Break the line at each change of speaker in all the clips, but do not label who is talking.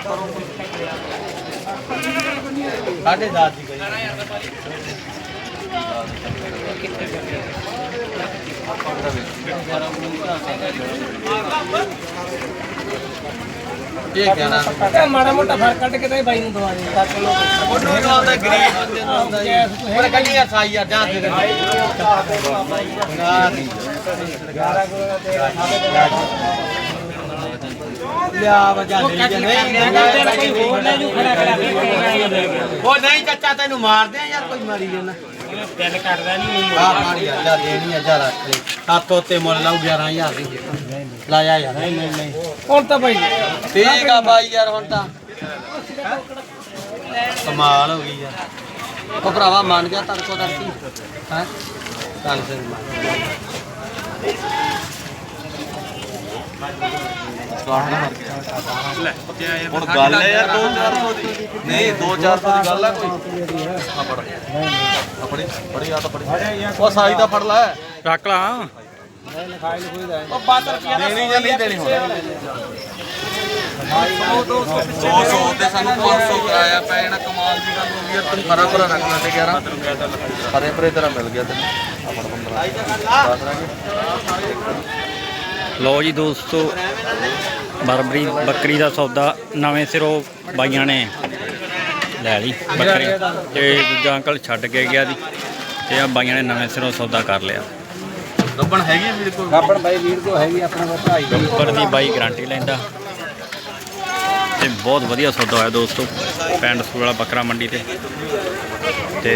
साढ़े 10 की
माड़ा मोटा फर्क कट के भाई दवा
नहीं चाचा तेन मार दे यार कोई मारी जाना
दिल करदा नहीं
देनी है जरा सत्त उत्ते मुल लाऊ 11,000 दी लाया यार नहीं
ਹੁਣ ਤਾਂ ਭਾਈ
ठीक है भाई यार हुण तां कमाल हो गई यार ओ भरावा मान गया तड़को तड़की हैं चल फिर
ਹੁਣ ਗੱਲ ਹੈ ਯਾਰ 2-400 ਦੀ ਨਹੀਂ 2-400 ਦੀ ਗੱਲ ਹੈ ਕੋਈ ਆਪਣੀ ਬੜੀ ਆ ਤਾਂ ਬੜੀ ਉਹ ਸਾਈ ਦਾ ਫੜ ਲੈ
ਰੱਖ ਲਾ
ਉਹ 12 ਰੁਪਏ ਦਾ
ਦੇਣੀ ਜਾਂ ਨਹੀਂ ਦੇਣੀ ਹੁਣ 200 ਤੇ ਸਾਨੂੰ 500 ਕਰਾਇਆ ਪੈ ਜਾਣਾ ਕਮਾਲ ਦੀ ਗੱਲ ਹੋ ਗਈ ਯਾਰ ਤੂੰ ਖਰਾ ਖਰਾ ਰੱਖ ਲੈ ਤੇ 11 ਖਰੇ ਪਰੇ ਤੇਰਾ ਮਿਲ ਗਿਆ ਤੈਨੂੰ ਆਪਣ 15
ਲੋ ਜੀ ਦੋਸਤੋ ਬਰਬਰੀ ਬੱਕਰੀ ਦਾ ਸੌਦਾ ਨਵੇਂ ਸਿਰੋਂ ਬਾਈਆਂ ਨੇ ਲੈ ਲਈ ਬੱਕਰੀ ਤੇ ਦੂਜਾ ਅੰਕਲ ਛੱਡ ਕੇ ਗਿਆ ਦੀ ਤੇ ਆ ਬਾਈਆਂ ਨੇ ਨਵੇਂ ਸਿਰੋਂ ਸੌਦਾ ਕਰ ਲਿਆ
ਗੱਬਣ ਹੈਗੀ ਵੀਰ ਕੋਈ
ਗੱਬਣ ਬਾਈ ਵੀਰ ਕੋ ਹੈਗੀ ਆਪਣਾ ਵਧਾਈ
ਗੱਬਰ ਦੀ ਬਾਈ ਗਾਰੰਟੀ ਲੈਂਦਾ ਤੇ ਬਹੁਤ ਵਧੀਆ ਸੌਦਾ ਹੋਇਆ ਦੋਸਤੋ ਪਿੰਡ ਸਕੂਲ ਵਾਲਾ ਬੱਕਰਾ ਮੰਡੀ ਤੇ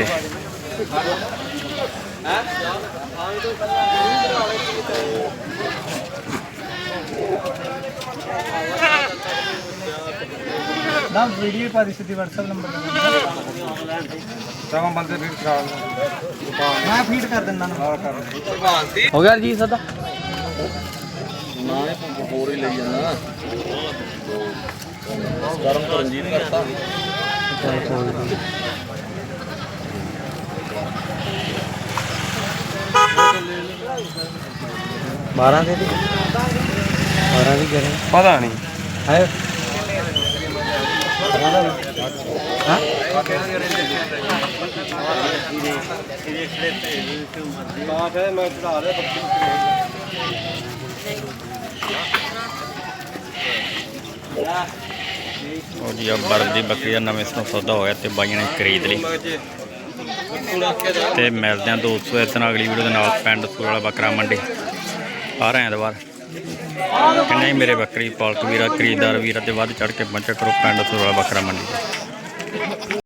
ਨਾ ਵੀਡੀਓ ਪਾ ਦੀ ਸਿੱਧੀ WhatsApp ਨੰਬਰ ਤਾਂ ਬੰਦੇ ਫੀਡ ਕਰਾ ਮੈਂ ਫੀਡ ਕਰ ਦਿੰਦਾ ਨਾ
हो गया जी सदा
ਨਾ ਹੋਰ ਹੀ ਲਈ ਜਾਂਦਾ ਗਰਮ ਤੋਂ ਰੰਜੀਤ ਕਰਤਾ
12 दे 12 भी करें
ਪਤਾ ਨਹੀਂ
है
ਉਹ ਜੀ ਆ ਬਰਬ ਦੀ ਬੱਕਰੀ ਦਾ ਨਵੇਂ ਸਿਰੋਂ ਸੌਦਾ ਹੋਇਆ ਤੇ ਬਾਈਆਂ ਨੇ ਖਰੀਦ ਲਈ ਤੇ ਮਿਲਦੇ ਆ ਦੋਸਤੋ ਇਸ ਨਾਲ ਅਗਲੀ ਵੀਡੀਓ ਦੇ ਨਾਲ ਪਿੰਡ ਸਕੂਲ ਵਾਲਾ ਬੱਕਰਾ ਮੰਡੀ ਆ ਰਹੇ ਐਤਵਾਰ ਕਿੰਨੇ ਹੀ ਮੇਰੇ ਬੱਕਰੀ ਪਾਲਕ ਵੀਰਾ ਖਰੀਦਦਾਰ ਵੀਰਾ ਤੇ ਵੱਧ ਚੜ ਕੇ ਪਹੁੰਚਿਆ ਕਰੋ ਪਿੰਡ ਸਕੂਲ ਵਾਲਾ ਬੱਕਰਾ ਮੰਡੀ